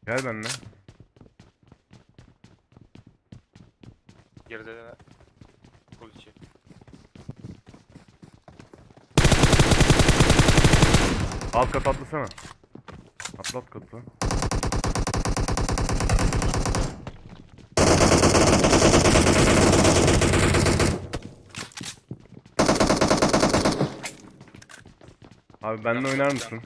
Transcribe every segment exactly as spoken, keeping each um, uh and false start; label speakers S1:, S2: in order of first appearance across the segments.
S1: Gel benimle.
S2: Geride de kol içi.
S1: Alt kat atlasana. Atlat katı. Abi benimle oynar mısın?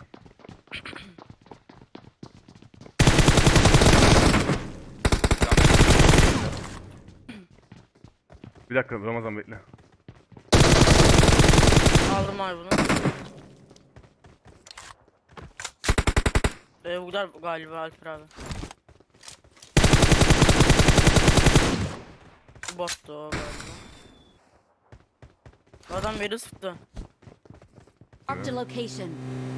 S1: Bir dakika Ramazan bekle.
S3: Aldım abi bunu. Ee, bu kadar galiba Alper abi. Bu bottu o galiba. Adam beni sıktı.
S4: Marked a location.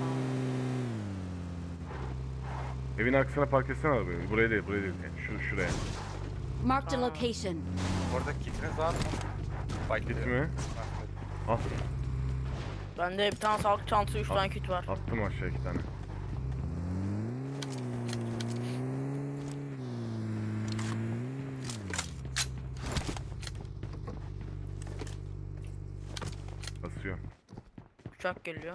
S1: Evin arkasına park etsene arabayı. Buraya değil, buraya değil. Şu şuraya.
S4: Marked a
S3: Aa.
S4: location.
S2: Orada kitiniz var mı? Fight
S1: Git
S2: ediyor.
S1: mi? Al.
S3: Bende bir tane sağlık çantası, üç
S1: Al.
S3: tane kit var.
S1: Attım aşağı iki tane. Basıyor.
S3: Uçak geliyor.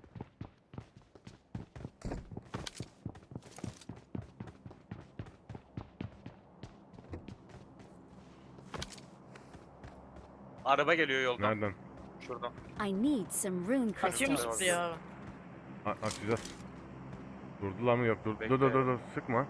S2: Araba geliyor yoldan.
S1: Nereden?
S2: Şuradan.
S4: I need some rune
S3: Kaçıyor mu
S4: crystals.
S3: sıktı ya?
S1: A açacağız. Durdular mı? Yok dur.
S2: Bekle.
S1: Dur dur dur dur. Sıkma.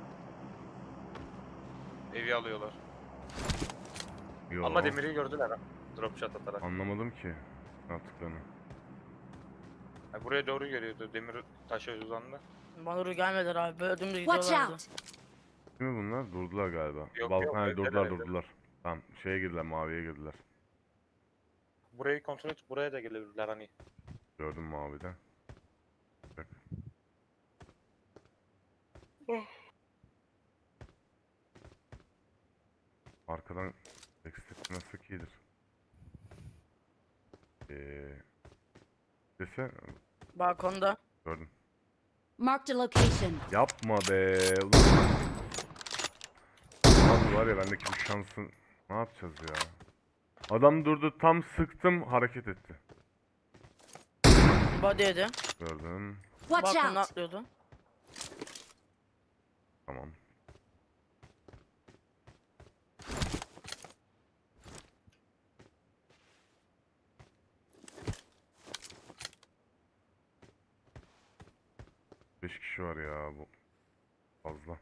S2: Evi alıyorlar.
S1: Yo.
S2: Ama demiri gördüler ha. Drop shot atarak.
S1: Anlamadım ki. Ne yaptıklarını.
S2: Ha, buraya doğru geliyordu. Demir taşa uzandı.
S3: Bana doğru gelmediler abi. Böyle dümdüz
S4: Watch
S3: gidiyorlardı.
S4: out!
S1: Değil mi bunlar? Durdular galiba.
S2: Yok,
S1: Balkon
S2: yok,
S1: ha,
S2: evdeler,
S1: durdular
S2: evdeler.
S1: durdular. Tamam şeye girdiler, maviye girdiler.
S2: Burayı kontrol et. Buraya da gelebilirler hani.
S1: Gördüm mavide. Bak. Arkadan backstep nasıl iyidir. Eee... Dese
S3: Balkonda.
S1: gördüm.
S4: Marked a location.
S1: Yapma be. Ulan. Abi var ya bendeki bu şansın. Ne yapacağız ya? Adam durdu tam sıktım hareket etti.
S3: Body'ydi.
S1: Gördüm.
S4: Watch
S3: Balkonda
S4: out!
S3: atlıyordu.
S1: Tamam. Beş kişi var ya bu. Fazla.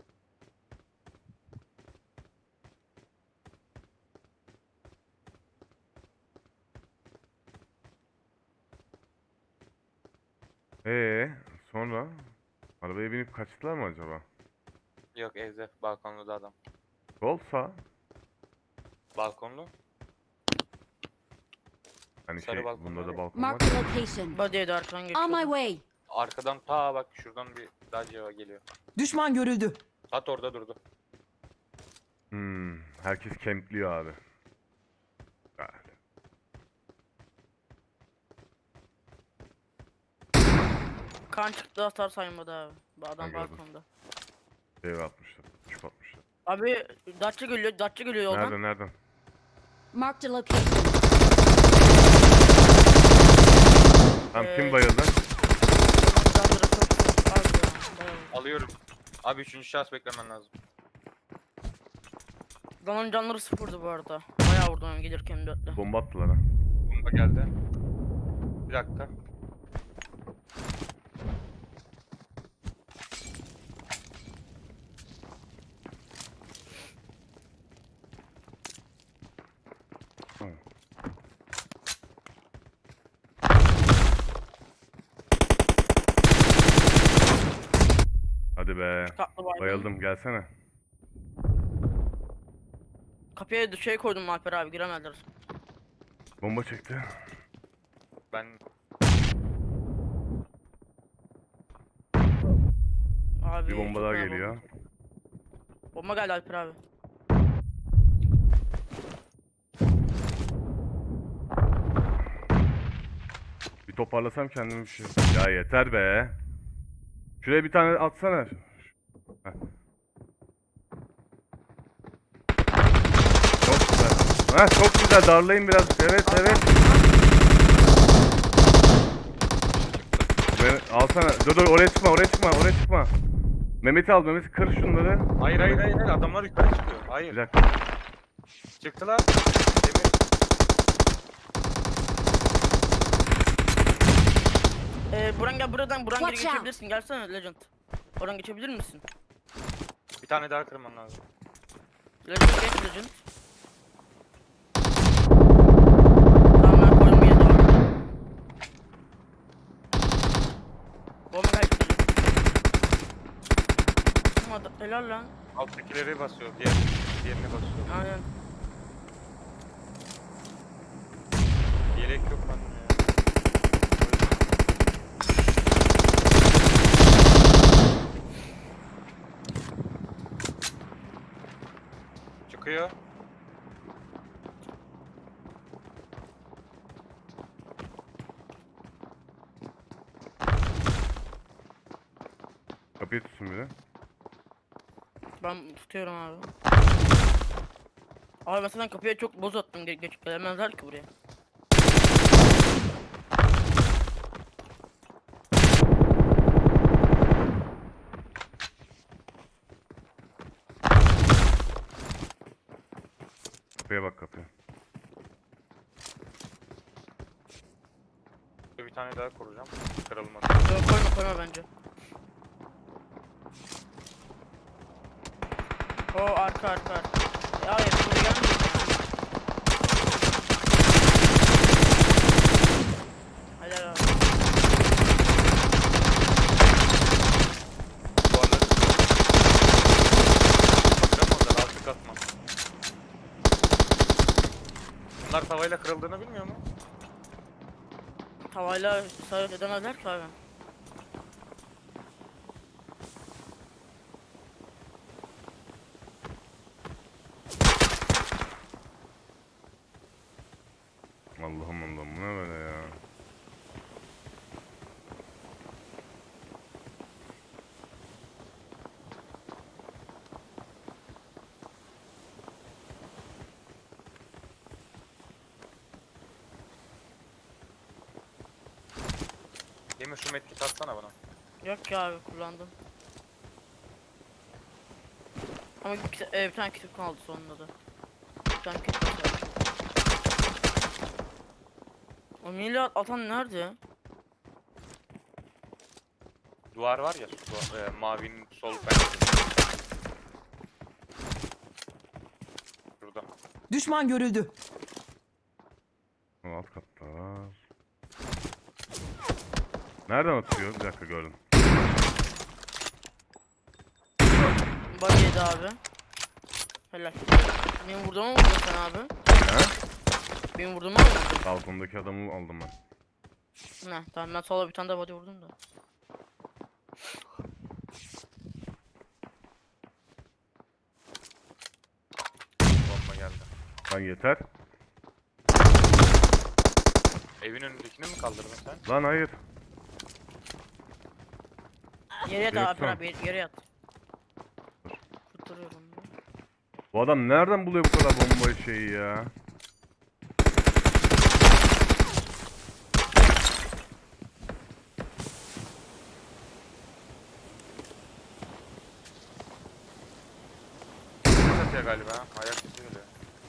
S1: Ee, sonra arabaya binip kaçtılar mı acaba?
S2: Yok evde. Balkonlu da adam.
S1: Sol sağ.
S2: Balkonlu.
S1: Hani
S2: Sarı
S1: şey
S2: balkon
S1: bunda
S2: var
S1: da
S2: ya.
S1: balkon var.
S4: Marked a location.
S3: Body'ydi arkadan
S4: On my
S3: geçiyordu.
S4: way.
S2: Arkadan ta bak şuradan bir Dacia geliyor.
S5: Düşman görüldü.
S2: At orada durdu.
S1: Hmm, herkes kempliyor abi. Ah,
S3: Kan çıktı, hasar saymadı abi. Bu adam
S1: Ben gördüm.
S3: balkonda.
S1: Ev atmışlar. Çöp atmışlar.
S3: Abi Datça geliyor, Datça geliyor yoldan.
S1: Nereden nereden?
S4: Marked a location.
S1: Tam
S3: Ee,
S1: kim bayıldı?
S3: Canları çok çok az ya. Bayağı.
S2: Alıyorum. Abi üçüncü şahıs beklemen lazım.
S3: Adamın canları sıfırdı bu arada. Bayağı vurdum hem gelirken dörtle.
S1: Bomba attılar ha.
S2: Bomba geldi. Bir dakika.
S1: Hadi be.
S3: Katlı baygın.
S1: Bayıldım gelsene.
S3: Kapıya şey koydum Alper abi, giremediler.
S1: Bomba çekti.
S2: Ben
S3: Abi
S1: Bir bomba
S3: çok
S1: daha
S3: fena
S1: geliyor.
S3: Bomba. Bomba geldi Alper abi.
S1: Bir toparlasam kendimi bir şey. Ya yeter be. Şuraya bir tane atsana. Heh. Ha çok güzel, darlayın biraz. Evet evet. Ben, alsana. Dur dur, oraya çıkma, oraya çıkma, oraya çıkma. Mehmet'i al, Mehmet kır şunları.
S2: Hayır hayır hayır hayır, adamlar yukarı çıkıyor. Hayır.
S1: Bir dakika.
S2: Çıktılar. Demir.
S3: Ee, Buran gel buradan. Buran geri
S4: Watch out.
S3: geçebilirsin. Gelsene Legend. Oradan geçebilir misin?
S2: Bir tane daha kırman lazım.
S3: Legend geç Legend. Tamam ben koydum yedi orada. Bomba kaçtı Legend. Ama da- helal lan.
S2: Alttakileri basıyor. Diğer, diğerini basıyor.
S3: Aynen.
S2: Yelek yok bende ya. Çıkıyor.
S1: Kapıyı tutsun bir de.
S3: Ben tutuyorum abi. Abi mesela kapıya çok boz attım, ge geç gelemezler ki buraya.
S1: Kapıya bak, kapıya.
S2: Bir tane daha kuracağım. Kırılmadı.
S3: Yok koyma koyma bence. O arka arka arka. Ya hayır buraya gelmiyor ya. Helal abi.
S2: Duvarları kıramadılar, altı katman. Bunlar tavayla kırıldığını bilmiyor mu?
S3: Tavayla isabet edemezler ki abi.
S1: Allah'ım Allah'ım, bu ne böyle ya.
S2: Demir şu medkit atsana bana.
S3: Yok ya abi kullandım. Ama bir, kita- e, bir tane kitap kaldı sonunda da. Bir tane kitap kaldı. O milat atan nerede?
S2: Duvar var ya, su, e, mavinin sol penceresi. Burada.
S5: Düşman görüldü.
S1: O alt katta var. Nereden atıyor? Bir dakika, gördüm.
S3: Bug yedi abi. Helal. Benim vurduğumu mu vurdun sen abi?
S1: He?
S3: Benim vurduğumu mu vurdun?
S1: Balkondaki adamı aldım ben.
S3: Ne tamam ben sola bir tane de body vurdum da.
S2: Bomba geldi.
S1: Lan yeter.
S2: Evin önündekini mi kaldırdın sen?
S1: Lan hayır.
S3: Yere yat
S1: Evet,
S3: abi
S1: tamam.
S3: abi yere yat. Kurtarıyorum.
S1: Bu adam nereden buluyor bu kadar bomba şeyi ya?
S2: Satıyor galiba. ha. Ayak sesi geliyor.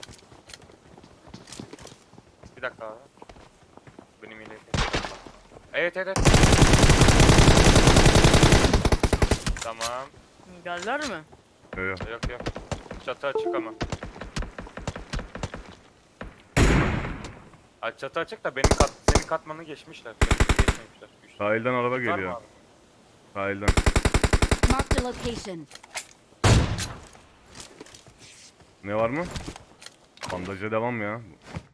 S2: Bir dakika abi. Benim ile. Evet evet evet. Tamam.
S3: Geldiler mi?
S1: Yok yok.
S2: Yok yok. Çatı açık ama. Ay çatı açık da benim kat, senin katmanı geçmişler. Benimkini geçmemişler. Üç-
S1: Sahilden araba
S2: Var mı
S1: geliyor.
S2: abi?
S1: Sahilden.
S4: Marked a location.
S1: Ne var mı? Bandaja devam ya.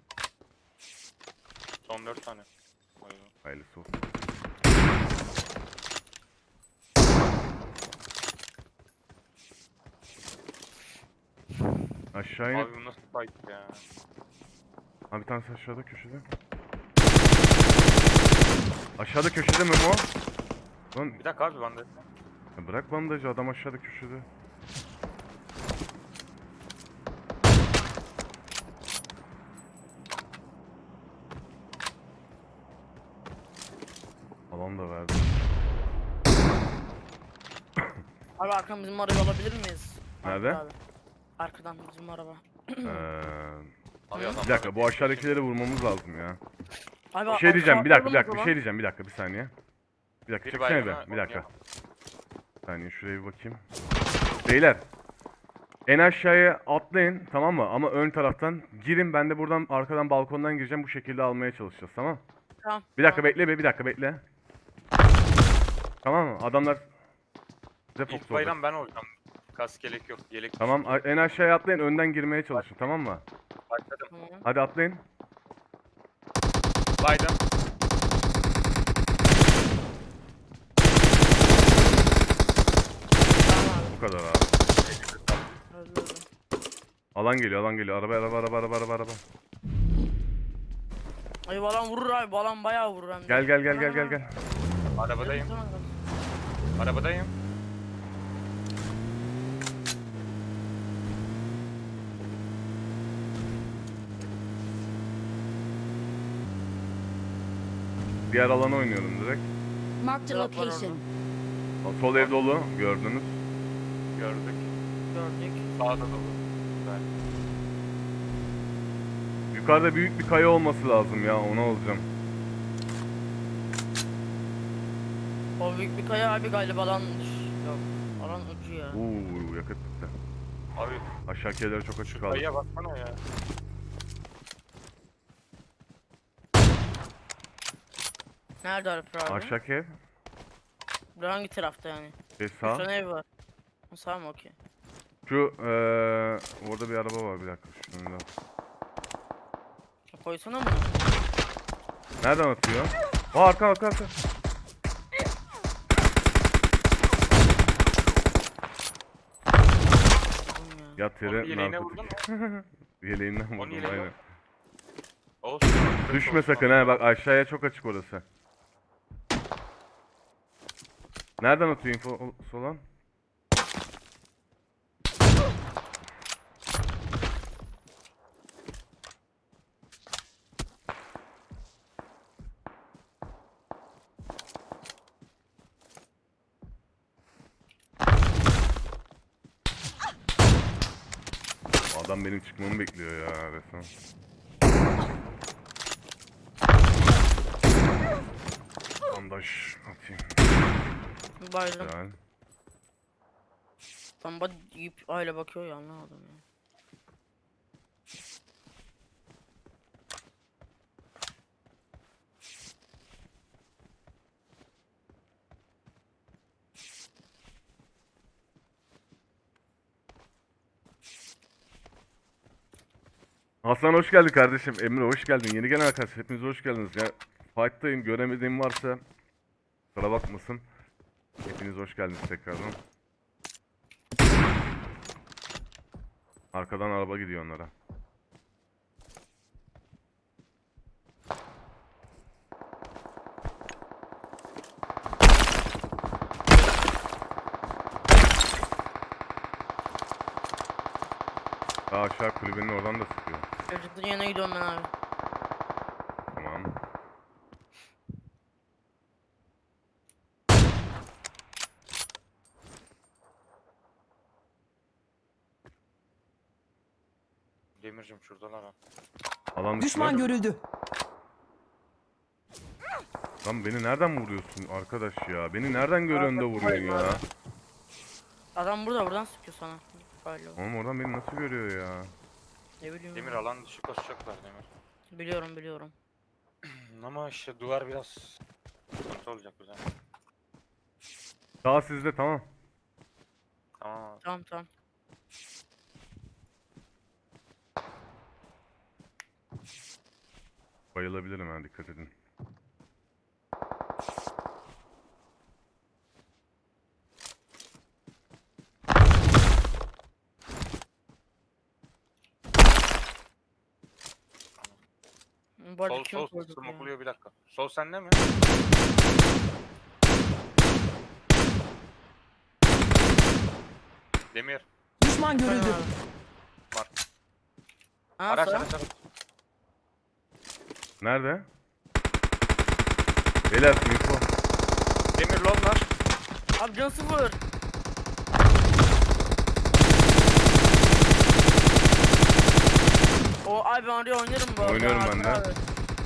S2: Son dört tane. Oyun.
S1: Hayırlısı olsun. Aşağı in.
S2: Abi bu nasıl fight ya?
S1: Ha, bir tanesi aşağıda köşede. Aşağıda köşede Memo. Lan
S2: Bir dakika abi ben de.
S1: ya bırak bandajı, adam aşağıda köşede. Alan da verdi.
S3: Abi arkadan bizim arabayı alabilir miyiz?
S1: Nerede?
S3: Abi. Arkadan bizim araba.
S1: Ee,
S2: Abi
S3: Hı?
S2: adam
S1: bir dakika bu aşağıdakileri vurmamız lazım ya.
S3: Abi
S1: Bir şey diyeceğim bir dakika bir
S3: arka
S1: dakika bir
S3: alalım
S1: şey diyeceğim bir dakika bir saniye. Bir dakika
S2: Bir
S1: çeksene
S2: baygına
S1: bir bir dakika.
S2: oynayalım.
S1: Bir saniye şuraya bir bakayım. Beyler. En aşağıya atlayın tamam mı? Ama ön taraftan girin, ben de buradan arkadan balkondan gireceğim, bu şekilde almaya çalışacağız tamam?
S3: Tamam.
S1: Bir dakika
S3: tamam.
S1: bekle be bir dakika bekle. Tamam mı? Adamlar bize
S2: İlk
S1: fokus olacak.
S2: bayram ben olacağım. Kask yelek yok. Yelek
S1: Tamam a- en aşağıya atlayın, önden girmeye çalışın tamam mı?
S2: başladım.
S3: Tamam.
S1: Hadi atlayın.
S2: Baydım.
S3: Tamam abi.
S1: Bu kadar abi.
S3: Öldü öldü.
S1: Alan geliyor alan geliyor. Araba araba araba araba araba araba.
S3: Ay balan vurur abi. Balan bayağı vurur hem de.
S1: Gel gel gel gel gel gel.
S2: Arabadayım.
S3: Tamam, tamam.
S2: Arabadayım.
S1: Diğer alana oynuyorum direkt.
S4: Marked a
S3: Drop var
S4: location.
S1: Sol ev dolu gördünüz.
S2: Gördük.
S3: Gördük.
S2: Sağda dolu. Güzel.
S1: Yukarıda büyük bir kaya olması lazım ya, ona alacağım.
S3: O büyük bir kaya abi galiba alan yok. Alan ucu ya.
S1: Uuu yakıt bitti.
S2: Abi
S1: Aşağı keller çok açık
S2: şu
S1: kaldı.
S2: kayıya baksana ya.
S3: Nerede Alper abi?
S1: Aşağı ev.
S3: Bir hangi tarafta yani?
S1: Ve
S3: Bir
S1: sağ.
S3: tane ev var. Ha, sağ mı okey?
S1: Şu eee orada bir araba var, bir dakika şunu da.
S3: Koysana bunu.
S1: Nereden atıyor? Aa arka arka arka.
S3: Oğlum ya.
S1: Yat
S2: Onun
S1: yere
S2: yeleğine vurdun
S1: narkotik.
S2: mu?
S1: Yeleğinden
S2: Onun
S1: vurdum
S2: yeleğine
S1: aynen.
S2: vurdun. Olsun.
S1: Düşme
S2: Olsun.
S1: sakın ha, bak aşağıya çok açık orası. Nereden atıyor info olan? Adam benim çıkmamı bekliyor ya resmen. Bandaj atayım.
S3: Bayram.
S1: Güzel.
S3: Tam bak yiyip öyle bakıyor ya, anlamadım ya.
S1: Hasan hoş geldin kardeşim. Emre hoş geldin. Yeni gelen arkadaşlar hepiniz hoş geldiniz. Ya fight'tayım, göremediğim varsa kusura bakmasın. Hepiniz hoş geldiniz tekrardan. Arkadan araba gidiyor onlara. Daha aşağı kulübenin oradan da sıkıyor.
S3: Çocukların yanına gidiyorum ben abi.
S1: Tamam.
S2: Demircim şuradalar ha.
S1: Alan
S5: Düşman
S1: dışında.
S5: görüldü.
S1: Lan beni nereden vuruyorsun arkadaş ya? Beni nereden görüyorsun da vuruyorsun ya?
S3: Adam burada, buradan sıkıyor sana. Galiba.
S1: Oğlum oradan beni nasıl görüyor ya?
S3: Ne bileyim.
S2: Demir
S3: ya.
S2: alan dışı koşacaklar Demir.
S3: Biliyorum biliyorum.
S2: Ama işte duvar biraz sıkıntı olacak bize.
S1: Daha sizde tamam.
S2: Tamam abi.
S3: Tamam tamam.
S1: Bayılabilirim ha, dikkat edin.
S3: Bu arada
S2: Sol
S3: kim
S2: sol
S3: koydu bu ya?
S2: smokluyor bir dakika. Sol sende mi? Demir.
S5: Düşman görüldü.
S3: Tamam abi.
S2: Mark.
S3: Ha,
S2: Araç
S3: sağ.
S2: araç araç.
S1: Nerede? Beyler info.
S2: Demir lol var.
S3: Abi can sıfır. O abi ben oraya oynarım bu arada.
S1: Oynuyorum ben de.
S3: Abi.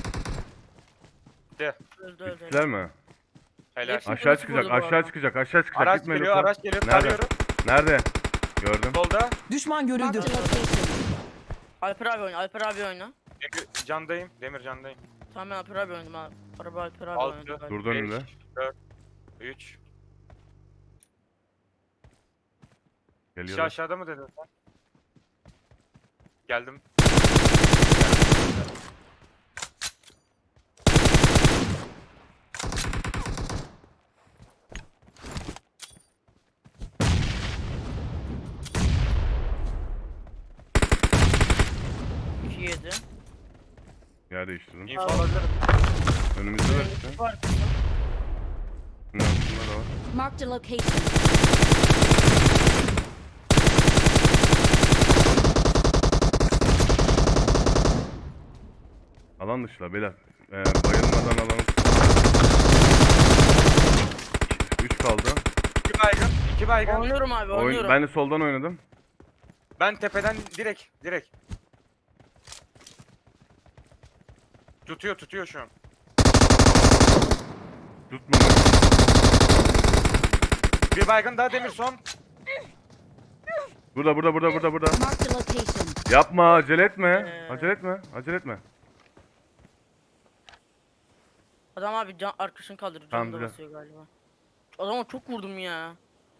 S2: De.
S3: Öldü öldü.
S1: Bittiler mi?
S2: Helal.
S3: Hepsi-
S1: Aşağı
S3: Nasıl
S1: çıkacak,
S3: vurdu bu
S1: aşağı
S3: arada?
S1: çıkacak, aşağı çıkacak.
S2: Araç
S1: Gitme
S2: geliyor,
S1: lütfen.
S2: araç geliyor.
S1: Nerede?
S2: Tarıyorum.
S1: Nerede? Gördüm.
S2: Solda.
S5: Düşman görüldü.
S4: Marked a location.
S3: Alper abi oyna. Alper abi oyna.
S2: Demir candayım. Demir candayım.
S3: Tamam ben Alper abi oynadım abi. Araba Alper abi
S2: Altı.
S3: oynadı.
S1: Durdu önümde.
S2: dört, üç. Kişi
S1: Geliyor.
S2: aşağıda mı dedin sen? Geldim.
S3: iki yedi.
S1: Yer değiştirdim.
S2: İnfo alabilirim.
S1: Önümüzde de işte.
S3: Var.
S1: Bunun altında da var.
S4: Marked a location.
S1: Alan dışılar beyler. Ee, bayılmadan alalım. üç kaldı.
S2: İki baygın. iki baygın.
S3: Oynuyorum abi
S1: Oyun,
S3: oynuyorum.
S1: ben de soldan oynadım.
S2: Ben tepeden direkt. Direkt. Tutuyor tutuyor şu an.
S1: Tutmadı.
S2: Bir baygın daha demir son.
S1: Burada burada burada burada burada.
S4: Marked a location.
S1: Yapma acele etme.
S3: Ee.
S1: Acele etme. Acele etme.
S3: Adam abi can arkadaşını kaldırıyor.
S1: Tamam,
S3: Canı da
S1: güzel.
S3: basıyor galiba. Adama çok vurdum ya.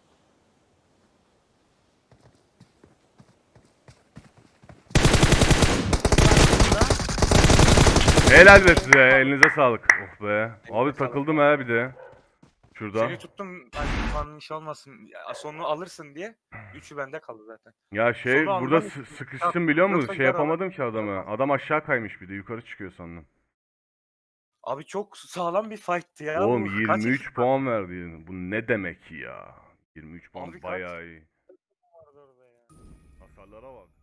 S1: Helal be size. Elinize sağlık. Oh be. Abi takıldım ha bir de. Şurada.
S2: Seni tuttum. Hani yanlış olmasın. Ya, sonunu alırsın diye. Üçü bende kaldı zaten.
S1: Ya şey
S2: Sonu
S1: burada
S2: almam
S1: sı-
S2: için-
S1: sıkıştım biliyor musun?
S2: Yoksa
S1: Şey
S2: gel
S1: yapamadım ki adamı. Adam aşağı kaymış bir de yukarı çıkıyor sandım.
S2: Abi çok sağlam bir fight'tı ya.
S1: Oğlum
S2: Bu kaç
S1: yirmi üç
S2: ekip
S1: puan verdi. Bu ne demek ya? yirmi üç puan
S2: Abi kaç-
S1: bayağı iyi.
S2: vardı orada ya?
S1: Hasarlara bak.